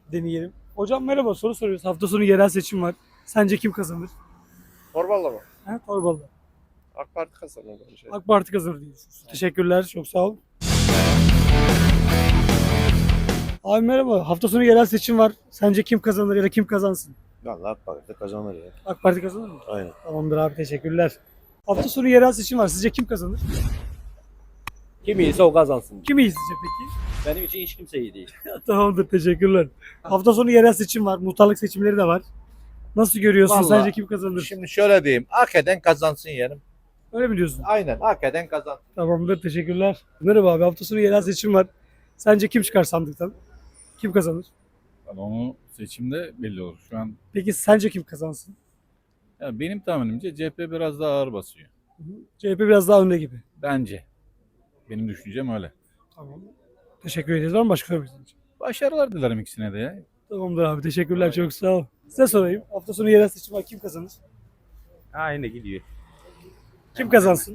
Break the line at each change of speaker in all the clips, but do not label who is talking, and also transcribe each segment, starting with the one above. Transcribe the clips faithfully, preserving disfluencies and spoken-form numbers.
deneyelim. Hocam merhaba, soru soruyoruz. Hafta sonu yerel seçim var. Sence kim kazanır?
Torbalı mı?
Ha, Torbalı'da.
AK Parti kazanır bence.
AK Parti kazanır diye düşünüyorsun. Teşekkürler, çok sağ ol. Abi merhaba, hafta sonu yerel seçim var. Sence kim kazanır ya da kim kazansın?
Vallahi AK Parti kazanır ya.
AK Parti kazanır mı?
Aynen.
Tamamdır abi, teşekkürler. Hafta sonu yerel seçim var. Sizce kim kazanır?
Kim iyiyse o kazansın.
Kim iyi sizce peki?
Benim için hiç kimse iyi değil.
Tamamdır, teşekkürler. Hafta sonu yerel seçim var. Muhtarlık seçimleri de var. Nasıl görüyorsun?
Vallahi
Sence kim kazanır?
Şimdi şöyle diyeyim. Hak eden kazansın yerim.
Öyle mi diyorsun?
Aynen. Hak eden kazansın.
Tamamdır, teşekkürler. Merhaba abi, hafta sonu yerel seçim var. Sence kim çıkar sandıktan? Kim kazanır?
Yani onu seçimde belli olur. Şu an
Peki sence kim kazansın?
ya benim tahminimce C H P biraz daha ağır basıyor.
C H P biraz daha önde gibi.
Bence. Benim düşüncem öyle.
Tamam. Teşekkür ederiz. Var mı başka sormak istediğiniz?
Başarılar dilerim ikisine de ya.
Tamamdır abi, teşekkürler, çok sağ ol. Size sorayım. Hafta sonu yerel seçim var. Kim kazanır?
Aynı gidiyor.
Kim kazansın?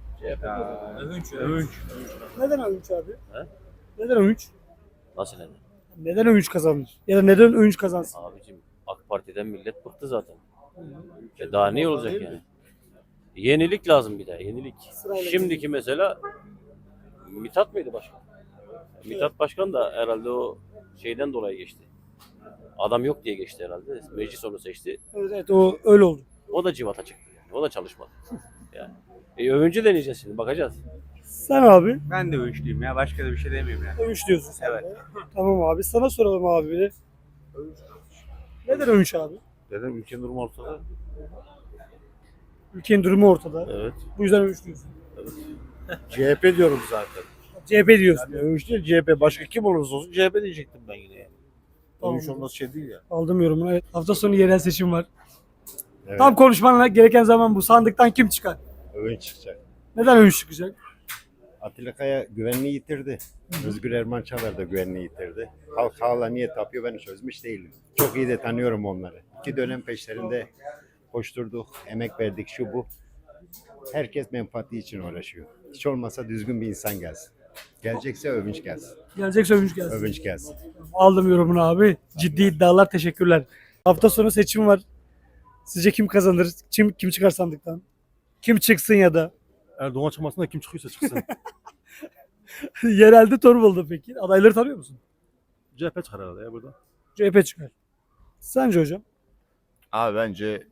Övünç. Övünç.
Neden Övünç abi?
He?
Neden Övünç?
Nasıl yani?
Neden Övünç kazanır? Ya da neden Övünç kazansın?
Abicim AK Parti'den millet bıktı zaten. E daha ne olacak yani? Yenilik lazım bir de yenilik.
Sırayla
Şimdiki mesela Mithat mıydı başkan? Mithat başkan da herhalde o şeyden dolayı geçti. Adam yok diye geçti herhalde. Meclis onu seçti.
Evet, evet, o öyle oldu.
O da civata çıktı. Yani. O da çalışmadı. Yani. E, övüncü deneyeceğiz şimdi bakacağız.
Sen abi
Ben de övünçlüyüm ya. Başka da bir şey demiyorum yani.
Övünç diyorsun sen
Evet.
de. Tamam abi, sana soralım abi bir de. Neden Övünç abi?
Dedim ülkenin durumu ortada.
Ülkenin durumu ortada.
Evet.
Bu yüzden Övünç diyorsun.
C H P diyorum zaten.
C H P diyorsun.
Yani övünç değil C H P. Başka kim olursa olsun C H P diyecektim ben yine yani.
Tamam.
Övünç olması şey değil ya.
Aldım yorumunu. Evet. Hafta sonu yerel seçim var.
Evet.
Tam konuşman gereken zaman bu. Sandıktan kim çıkar?
Övünç çıkacak.
Neden Övünç çıkacak?
Atilla Kaya güvenliği yitirdi. Özgür Erman Çağlar da güvenliği yitirdi. Halk hala niye tapıyor ben çözmüş değilim. Çok iyi de tanıyorum onları. İki dönem peşlerinde koşturduk, emek verdik şu bu. Herkes menfaati için uğraşıyor. Hiç olmazsa düzgün bir insan gelsin. Gelecekse övünç gelsin.
Gelecekse Övünç gelsin.
Övünç gelsin.
Aldım yorumunu abi. Ciddi iddialar, teşekkürler. Hafta sonu seçim var. Sizce kim kazanır? Kim kim çıkar sandıktan? Kim çıksın ya da?
Erdoğan çıkmasın da kim çıkıyorsa çıksın.
Yerelde Torbalı'da peki. Adayları tanıyor musun?
C H P çıkar herhalde ya burada.
C H P çıkar. Sence hocam?
Abi bence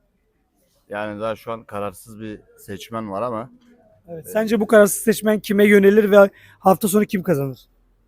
yani daha şu an kararsız bir seçmen var ama
Evet. Sence bu kararsız seçmen kime yönelir ve hafta sonu kim kazanır?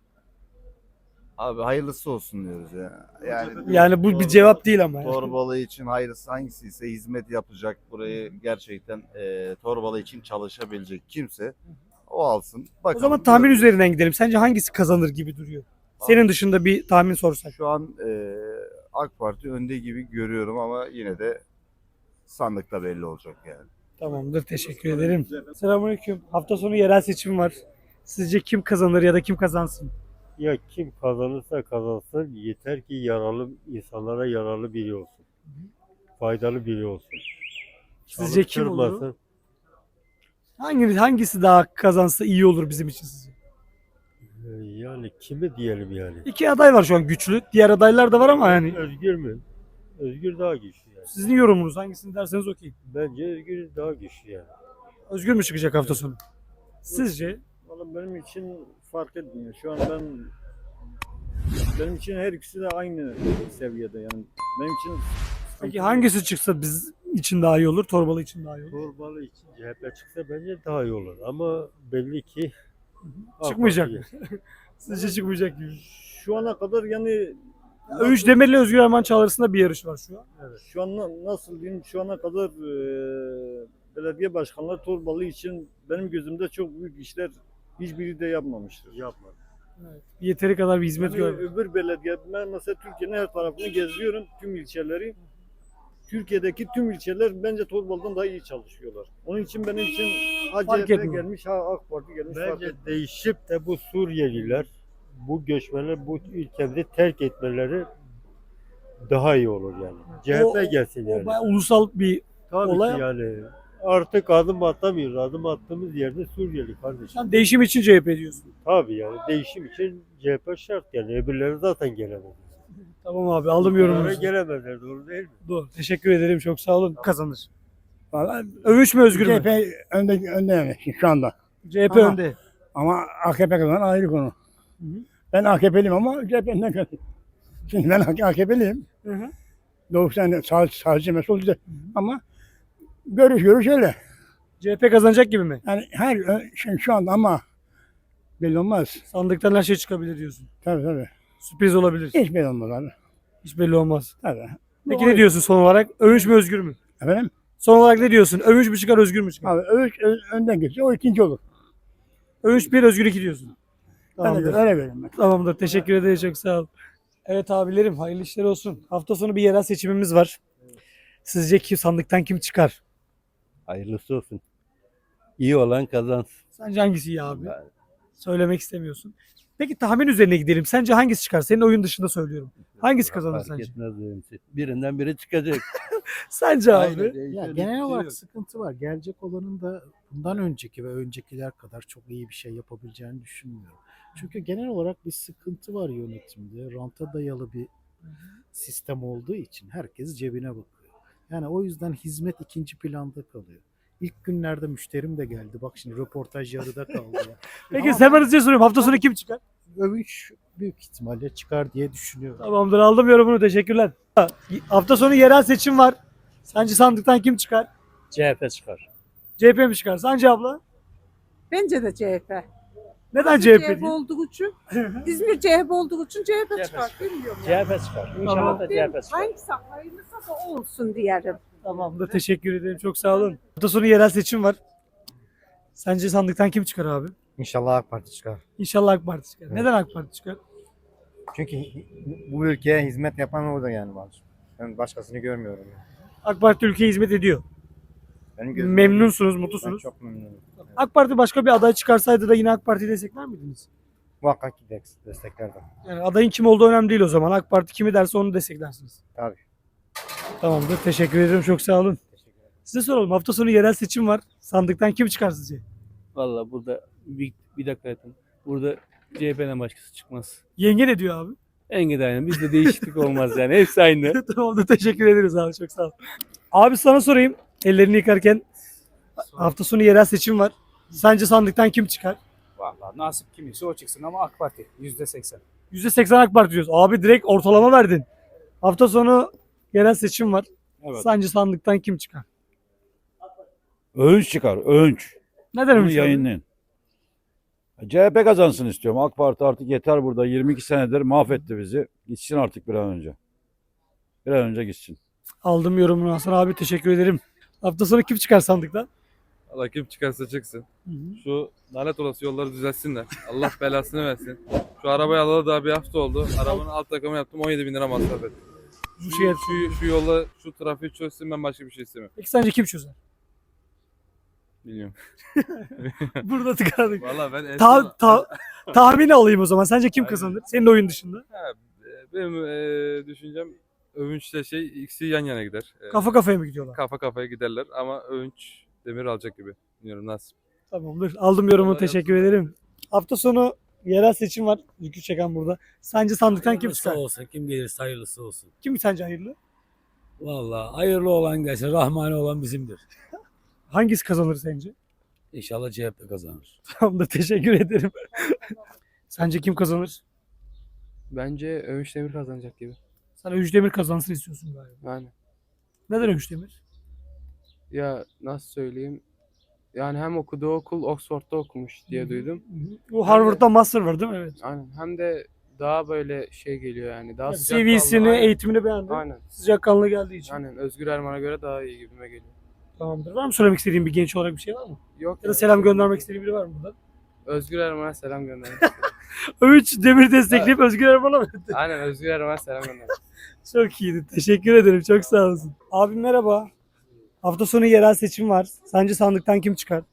abi hayırlısı olsun diyoruz ya. Yani
Yani bu bir cevap değil ama. yani.
Torbalı için hayırlısı hangisi ise hizmet yapacak, burayı gerçekten e, Torbalı için çalışabilecek kimse o alsın.
O
Bakalım.
zaman tahmin üzerinden gidelim. Sence hangisi kazanır gibi duruyor? Senin dışında bir tahmin sorsak.
Şu an e, AK Parti önde gibi görüyorum ama yine de sandıkta belli olacak yani.
Tamamdır, teşekkür ederim. Selamünaleyküm. Hafta sonu yerel seçim var. Sizce kim kazanır ya da kim kazansın?
Ya kim kazanırsa kazansın yeter ki yararlı insanlara yararlı biri olsun. Faydalı biri olsun.
Sizce kim olur?
Çalıştırmasın.
Hangisi, hangisi daha kazansa iyi olur bizim için sizce?
Ee, Yani kimi diyelim yani.
İki aday var şu an güçlü. Diğer adaylar da var ama yani
Özgür mü? Özgür daha güçlü yani.
sizin yorumunuz hangisini derseniz okey.
Bence Özgür daha güçlü yani.
Özgür mü çıkacak hafta sonu? Sizce?
Valla benim için fark etmiyor. Şu an ben benim için her ikisi de aynı seviyede yani. Benim için
Peki hangisi çıksa biz için daha iyi olur, Torbalı için daha iyi olur?
Torbalı için C H P çıksa bence daha iyi olur. Ama belli ki
Çıkmayacak
AK
mı?
Parti-
Sizce çıkmayacak gibi.
şu ana kadar yani
Övünç Demir'le Özgür Erman Çağlar arasında bir yarış var şu an.
şu an na- nasıl diyeyim şu ana kadar e, belediye başkanları Torbalı için benim gözümde çok büyük işler hiçbiri de yapmamıştır.
Yapmadı.
Evet. Yeteri kadar bir hizmet
Yani
görmüyor.
öbür belediye, ben mesela Türkiye'nin her tarafını geziyorum, tüm ilçeleri. Türkiye'deki tüm ilçeler bence Torbalı'dan daha iyi çalışıyorlar. Onun için benim için ha
Fark
C H P
etmiyor.
gelmiş, ha AK Parti gelmiş. fark
Bence
etmiyor.
değişip de bu Suriyeliler, bu göçmenler bu ülkemizi terk etmeleri daha iyi olur yani. C H P
O-
gelsin
O
yani.
bayağı ulusal bir
Tabii
olay.
ki yani. Artık adım atamıyoruz. Adım attığımız yerde Suriyeli kardeşim.
Sen değişim için C H P diyorsun.
Tabii yani değişim için C H P şart yani. Öbürleri zaten gelemez.
Tamam abi aldım yorumunuzu.
gelemezler, doğru değil mi?
Doğru. Teşekkür ederim. Çok sağ olun. Kazanır. Övünç mü Özgür mü?
C H P önde, önde yani şu anda.
C H P
Ama-
önde.
Ama A K P kazanan ayrı konu. Ben A K P'liyim ama C H P'den kazanıyorum. Şimdi ben A K P'liyim.
Hı hı.
Doğuştan sağ, sağcı mesul güzel. Ama görüş görüş öyle.
C H P kazanacak gibi mi?
Yani her şey şu anda ama belli olmaz.
Sandıktan her şey çıkabilir diyorsun.
Tabii tabii.
Sürpriz olabilir.
Hiç belli olmaz abi.
Hiç belli olmaz.
Tabii.
Peki ne diyorsun son olarak? Övünç mü Özgür mü?
Efendim?
Son olarak ne diyorsun? Övünç mü çıkar Özgür mü çıkar?
Abi övüş ö- önden geçiyor. O ikinci olur.
Övünç bir Özgür iki diyorsun.
Öyle,
Tamamdır.
öyle veririm ben.
Tamamdır. Teşekkür ederim. Çok sağ ol. Evet abilerim hayırlı işler olsun. Hafta sonu bir yerel seçimimiz var. Sizce kim sandıktan kim çıkar?
Hayırlısı olsun. İyi olan kazansın.
Sence hangisi iyi abi? Söylemek istemiyorsun. Peki tahmin üzerine gidelim. Sence hangisi çıkar? Senin oyun dışında söylüyorum. Hangisi kazanır
Fark
sence?
etmez benim için. Birinden biri çıkacak.
Sence abi?
Aynen,
Ya
öyle
genel
bir şey
olarak
yok.
sıkıntı var. Gelecek olanın da bundan önceki ve öncekiler kadar çok iyi bir şey yapabileceğini düşünmüyorum. Çünkü genel olarak bir sıkıntı var yönetimde. Ranta dayalı bir sistem olduğu için herkes cebine bakıyor. Yani o yüzden hizmet ikinci planda kalıyor. İlk günlerde müşterim de geldi. Bak şimdi röportaj yarıda kaldı ya.
Peki
Ama
hemen hızlıca soruyorum. Hafta sonu kim çıkar?
Övünç büyük ihtimalle çıkar diye düşünüyorum.
Tamamdır aldım yorumunu. Teşekkürler. Hafta sonu yerel seçim var. Sence sandıktan kim çıkar?
C H P çıkar.
C H P mi çıkar? Sence abla?
Bence de C H P.
Neden
C H
C H
P
P? değil?
olduğu için, İzmir C H P olduğu için C H P çıkar. Bilmiyorum.
C H P çıkar. İnşallah da C H P çıkar.
Hangisi hayırlısı da o olsun diyelim.
Tamamdır. Teşekkür ederim. Çok sağ olun. Hafta sonu yerel seçim var. Sence sandıktan kim çıkar abi?
İnşallah AK Parti çıkar.
İnşallah AK Parti çıkar. Neden AK Parti çıkar?
Çünkü bu ülkeye hizmet yapan orada yani var. Ben başkasını görmüyorum.
AK Parti ülkeye hizmet ediyor.
Benim
Memnunsunuz, mutlusunuz.
çok memnunum.
AK Parti başka bir aday çıkarsaydı da yine AK Parti'yi destekler miydiniz?
Muhakkak ki desteklerdim.
Yani adayın kim olduğu önemli değil o zaman. AK Parti kimi derse onu desteklersiniz.
Tabii.
Tamamdır. Teşekkür ederim. Çok sağ olun. Size soralım. Hafta sonu yerel seçim var. Sandıktan kim çıkar sizce?
Valla burada bir, bir dakika yatın. Burada C H P'den başkası çıkmaz.
Yenge ne diyor abi?
Engin aynı. Bizde değişiklik olmaz yani. Hepsi aynı.
Tamamdır. Teşekkür ederiz abi. Çok sağ ol. Abi sana sorayım. Ellerini yıkarken hafta sonu yerel seçim var. Sence sandıktan kim çıkar?
Vallahi nasip kimisi o çıksın ama AK Parti yüzde seksen.
yüzde seksen AK Parti diyoruz. Abi direkt ortalama verdin. Hafta sonu yerel seçim var.
Evet.
Sence sandıktan kim çıkar?
Övünç çıkar. Övünç.
Neden
Bunu
öyle şey?
yayınlayın. C H P kazansın istiyorum. AK Parti artık yeter burada. yirmi iki senedir mahvetti bizi. Gitsin artık bir an önce. Bir an önce gitsin.
Aldım yorumunu Hasan abi. Teşekkür ederim. Hafta sonu kim çıkar sandıktan?
Allah kim çıkarsa çıksın. Şu lanet olası yolları düzeltsinler. Allah belasını versin. Şu arabayı alalı daha bir hafta oldu. Arabanın alt takımı yaptım on yedi bin lira masraf ettim.
Bu şey
Şu, şu yolla şu trafiği çözsün ben başka bir şey istemiyorum.
Peki sence kim çözer?
Bilmiyorum.
Burada tıkandık.
Valla ben en
Ta,
son-
ta, tahmini alayım o zaman. Sence kim
Aynen.
kazanır? Senin oyun dışında.
Ha, benim e, düşüncem Övünç'le şey ikisi yan yana gider. E,
Kafa kafaya mı gidiyorlar?
kafa kafaya giderler ama Övünç demir alacak gibi. Bilmiyorum nasıl.
Tamamdır. Aldım yorumunu.
Kolay
Teşekkür ederim. Hafta sonu yerel seçim var. Yükü çeken burada. Sence sandıktan kim çıkar?
olsun. Kim gelirse hayırlısı olsun.
Kim sence hayırlı?
Valla hayırlı olan gelsin. Rahmani olan bizimdir.
Hangisi kazanır sence?
İnşallah C H P kazanır.
Tamamdır. Teşekkür ederim. Sence kim kazanır?
Bence Övünç demir kazanacak gibi.
Sen Övüş Demir kazansın istiyorsun galiba.
Yani
Neden Övüş Demir?
ya nasıl söyleyeyim? Yani hem okuduğu okul Oxford'da okumuş diye duydum.
Bu Harvard'da master var değil mi? Evet.
Aynen. Hem de daha böyle şey geliyor yani. Daha
Yani
sıcak
C V'sini,
kanlı. Aynen.
eğitimini beğendim.
Aynen.
Sıcakkanlı geldiği için.
Aynen. Özgür Erman'a göre daha iyi gibime geliyor.
Tamamdır. Var mı söylemek istediğin bir genç olarak bir şey var mı?
Yok.
Ya da selam göndermek istediğin biri var mı buradan?
Özgür Erman'a selam gönderin.
Övüş Demir destekleyip Özgür Erman'a mı?
Aynen Özgür Erman'a selam gönderin.
Çok iyiydi. Teşekkür ederim. Çok sağ olasın. Abim merhaba. Hafta sonu yerel seçim var. Sence sandıktan kim çıkar?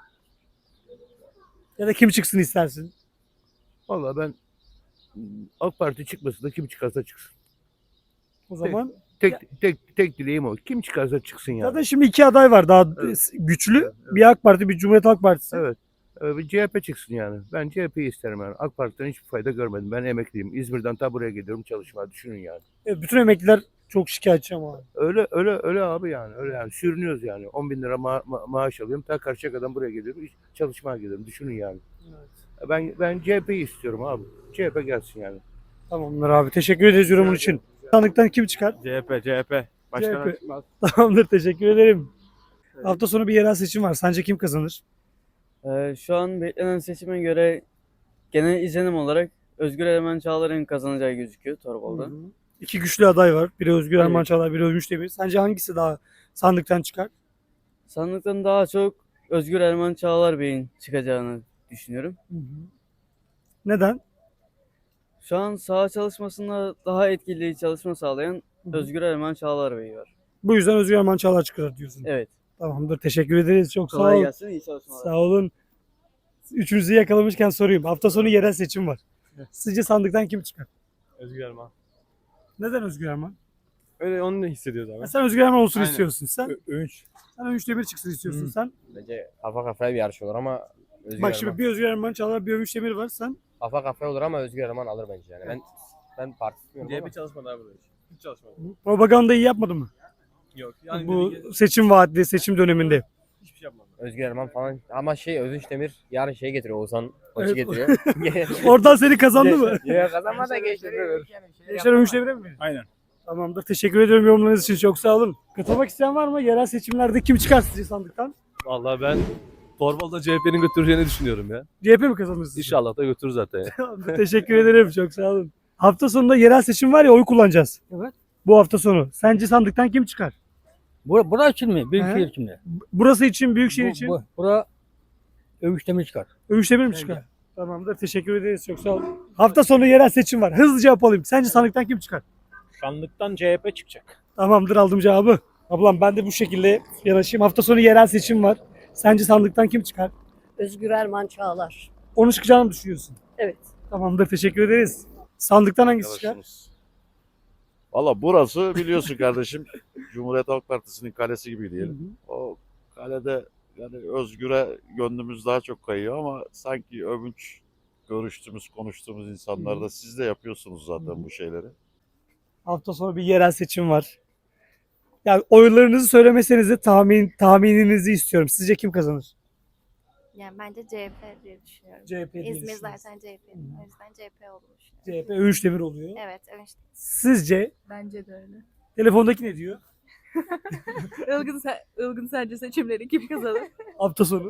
Ya da kim çıksın istersin?
Valla ben AK Parti çıkmasın da kim çıkarsa çıksın.
O zaman
Tek tek tek dileğim o. Kim çıkarsa çıksın yani.
zaten şimdi iki aday var daha güçlü. Bir AK Parti, bir Cumhuriyet Halk Partisi.
Evet. Ee, bir C H P çıksın yani. Ben C H P'yi isterim yani. AK Parti'den hiçbir fayda görmedim. Ben emekliyim. İzmir'den ta buraya geliyorum çalışmaya. Düşünün yani.
E, bütün emekliler çok şikayetçi ama.
Öyle öyle öyle abi yani. Öyle yani. Sürünüyoruz yani. on bin lira ma- ma- maaş alıyorum. Ta Karşıyaka'dan buraya geliyorum. iş- Çalışmaya geliyorum. Düşünün yani. Ben ben C H P'yi istiyorum abi. C H P gelsin yani.
Tamamdır abi. Teşekkür ederiz yorumun için. Sandıktan kim çıkar?
C H P, C H P.
Başkan C H P. Tamamdır. Teşekkür ederim. Hafta sonu bir yerel seçim var. Sence kim kazanır?
Ee, şu an beklenen seçime göre genel izlenim olarak Özgür Ermen Çağlar'ın kazanacağı gözüküyor Torbalı'da.
İki güçlü aday var. Biri Özgür Erman
Evet.
Çağlar, biri Övünç Demir. Sence hangisi daha sandıktan çıkar?
Sandıktan daha çok Özgür Ermen Çağlar Bey'in çıkacağını düşünüyorum.
Neden?
Şu an saha çalışmasında daha etkili çalışma sağlayan Özgür Ermen Çağlar Bey var.
Bu yüzden Özgür Erman Çağlar çıkar diyorsun.
Evet.
Tamamdır. Teşekkür ederiz. Çok sağ
Kolay
ol.
gelsin, iyi çalışmalar.
Sağ olun. Üçünüzü yakalamışken sorayım. Hafta sonu yerel seçim var. Sizce sandıktan kim çıkar?
Özgür Erman.
Neden Özgür Erman?
Öyle onu ne hissediyoruz abi?
Ya sen Özgür Erman olsun
Aynen.
istiyorsun. Sen
Övünç.
sen Övünç Demir çıksın istiyorsun
Hı.
sen.
Bence kafa kafaya bir yarış olur ama Özgür
Bak şimdi bir Özgür Erman Çağlar, bir Övünç Demir var. Sen
kafa kafaya olur ama Özgür Erman alır bence yani. Ben ben parti tutmuyorum ama.
çalışmadı abi böyle. Hiç çalışmadı.
propaganda iyi yapmadın mı?
Yok.
Bu seçim vaatli, seçim döneminde.
hiçbir şey yapmadı.
Özgür Erman falan ama şey Övünç Demir yarın şey getiriyor Oğuzhan Koç'u
Evet.
getiriyor.
Oradan seni kazandı mı?
Ya kazanma da geçti.
Gençler Övünç Demir'e mi?
Aynen.
Tamamdır. Teşekkür ediyorum yorumlarınız için. Çok sağ olun. Katılmak isteyen var mı? Yerel seçimlerde kim çıkar sizce sandıktan?
Vallahi ben Torbalı'da C H P'nin götüreceğini düşünüyorum ya.
C H P mi kazanır sizce?
İnşallah da götürür zaten ya.
Tamamdır, teşekkür ederim. Çok sağ olun. Hafta sonunda yerel seçim var ya oy kullanacağız.
Evet.
Bu hafta sonu. Sence sandıktan kim çıkar?
Bura, bura için mi?
He?
Büyükşehir için mi?
Burası için, Büyükşehir
Bu,
için.
bu, bura Övüş Demir çıkar.
Övünç Demir mi çıkar? Tamamdır. Teşekkür ederiz. Çok sağ olun. Hafta sonu yerel seçim var. Hızlıca yapalım. Sence sandıktan kim çıkar?
Sandıktan C H P çıkacak.
Tamamdır, aldım cevabı. Ablam ben de bu şekilde yanaşayım. Hafta sonu yerel seçim var. Sence sandıktan kim çıkar?
Özgür Erman Çağlar.
Onu çıkacağını mı düşünüyorsun?
Evet.
Tamamdır. Teşekkür ederiz. Sandıktan hangisi çıkar?
Valla burası biliyorsun kardeşim Cumhuriyet Halk Partisi'nin kalesi gibi diyelim. O kalede yani Özgür'e gönlümüz daha çok kayıyor ama sanki övünç görüştüğümüz, konuştuğumuz insanlar da siz de yapıyorsunuz zaten bu şeyleri.
Hafta sonu bir yerel seçim var. Yani oylarınızı söylemeseniz de tahmin tahmininizi istiyorum. Sizce kim kazanır?
Yani bence C H P diye düşünüyorum.
C H P diye
İzmir
düşünüyorsun.
zaten C H P. O yüzden C H P olduğunu düşünüyorum.
C H P Övünç Demir oluyor.
Evet, evet.
Sizce
Bence de öyle.
telefondaki ne diyor?
Ilgın, Ilgın sence seçimleri kim kazanır?
Hafta sonu.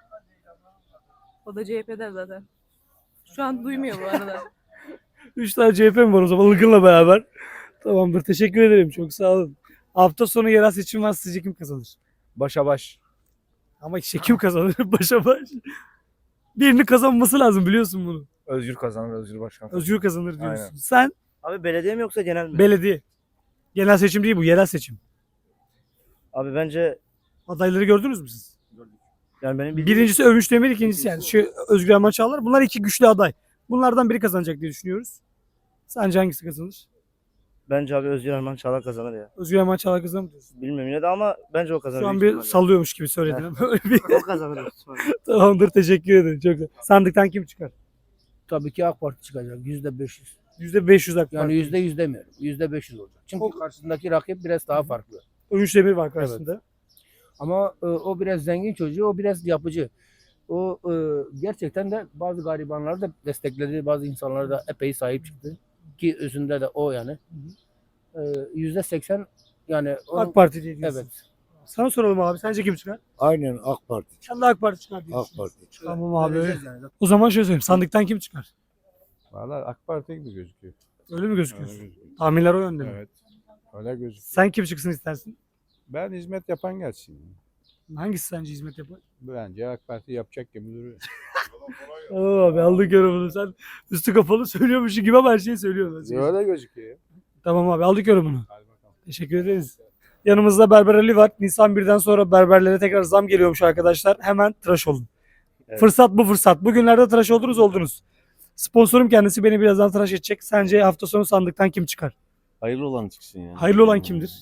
O da C H P'den zaten. Şu an duymuyor bu arada.
Üç tane C H P mi var o zaman Ilgın'la beraber? Tamamdır. Teşekkür ederim. Çok sağ olun. Hafta sonu yerel seçim var. Sizce kim kazanır?
Başa baş.
Ama işte kim kazanır? Başa baş. Birini kazanması lazım biliyorsun bunu.
Özgür kazanır, Özgür Başkan.
Özgür kazanır diyorsun.
Aynen.
Sen
Abi belediye mi yoksa genel mi?
belediye. Genel seçim değil bu. Yerel seçim.
Abi bence
Adayları gördünüz mü siz?
yani benim
Birincisi Övünç Demir, ikincisi yani şu Özgür Erman Çağlar. Bunlar iki güçlü aday. Bunlardan biri kazanacak diye düşünüyoruz. Sence hangisi kazanır?
bence abi Özgür Ermen Çağlar kazanır ya.
Özgür Erman Çağlar kazanır mı diyorsun?
Bilmiyorum yine de ama bence o kazanır.
Şu an bir sallıyormuş gibi söyledin ama öyle bir...
O kazanır.
Tamamdır, teşekkür ederim. Çok güzel. Sandıktan kim çıkar?
Tabii ki AK Parti çıkacak. Yüzde beş yüz.
yüzde beş yüz AK
Yani
Parti.
yüzde yüz demiyorum. Yüzde beş yüz olacak. Çünkü karşısındaki rakip biraz daha farklı.
Övünç Demir var karşısında.
Ama e, o biraz zengin çocuğu, o biraz yapıcı. O e, gerçekten de bazı garibanları da destekledi, bazı insanlara da epey sahip çıktı. Ki özünde de o yani. E, Yüzde seksen yani. onun-
AK Parti diye diyorsun.
Evet.
Sana soralım abi. Sence kim çıkar?
Aynen AK Parti.
Sen de AK Parti çıkar diyorsun.
AK Parti.
Tamam abi. Öyle. O zaman şöyle söyleyeyim. Sandıktan kim çıkar?
Valla AK Parti gibi gözüküyor.
Öyle mi gözüküyor? Tahminler o yönde mi?
Evet. Öyle gözüküyor.
Sen kim çıksın istersin?
Ben hizmet yapan gelsin.
Hangisi sence hizmet yapar?
Bence AK Parti yapacak gibi duruyor.
Tamam abi, aldık yorumunu. Sen üstü kapalı söylüyormuşsun gibi ama her şeyi söylüyorsun.
Öyle gözüküyor.
Tamam abi, aldık yorumunu. Teşekkür ederiz. Yanımızda Berber Ali var. Nisan birden sonra berberlere tekrar zam geliyormuş arkadaşlar. Hemen tıraş olun.
Evet.
Fırsat bu fırsat. Bugünlerde tıraş oldunuz oldunuz. Sponsorum kendisi beni birazdan tıraş edecek. Sence hafta sonu sandıktan kim çıkar?
Hayırlı olan çıksın yani.
Hayırlı olan kimdir?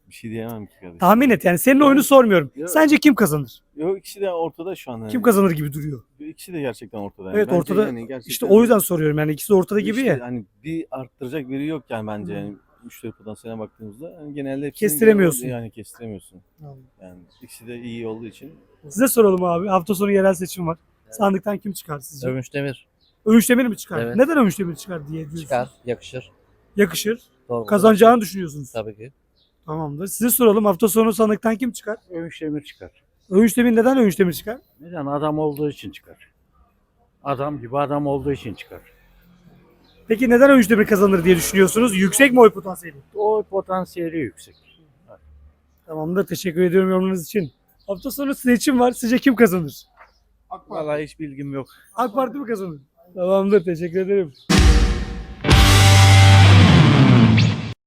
Bir şey diyemem ki kardeşim.
Tahmin et yani senin oyunu sormuyorum.
Yok.
Sence kim kazanır?
Yok ikisi de ortada şu an.
Kim kazanır gibi duruyor.
İkisi de gerçekten ortada. Yani.
Evet
Bence
ortada.
yani gerçekten-
İşte o yüzden soruyorum yani ikisi de ortada gibi
İşte
ya.
Hani bir arttıracak biri yok yani bence yani müşteri potansiyeline baktığımızda yani genelde hepsini
Kestiremiyorsun.
yani kestiremiyorsun. Yani ikisi de iyi olduğu için.
Size soralım abi. Hafta sonu yerel seçim var. Sandıktan kim çıkar sizce?
Övünç Demir.
Övünç Demir mi çıkar?
Evet.
Neden Övünç Demir çıkar diye diyorsunuz?
Çıkar, yakışır.
Yakışır.
Torbalı.
Kazanacağını düşünüyorsunuz.
Tabii ki.
Tamamdır. Size soralım. Hafta sonu sandıktan kim çıkar?
Övünç Demir çıkar.
Övünç Demir neden Övünç Demir çıkar?
Neden? Adam olduğu için çıkar. Adam gibi adam olduğu için çıkar.
Peki neden Övünç Demir kazanır diye düşünüyorsunuz? Yüksek mi oy potansiyeli?
O potansiyeli yüksek.
Tamamdır. Teşekkür ediyorum yorumunuz için. Hafta sonu seçim var. Sizce kim kazanır?
Vallahi hiç bilgim yok.
AK Parti mi kazanır? Tamamdır. Teşekkür ederim.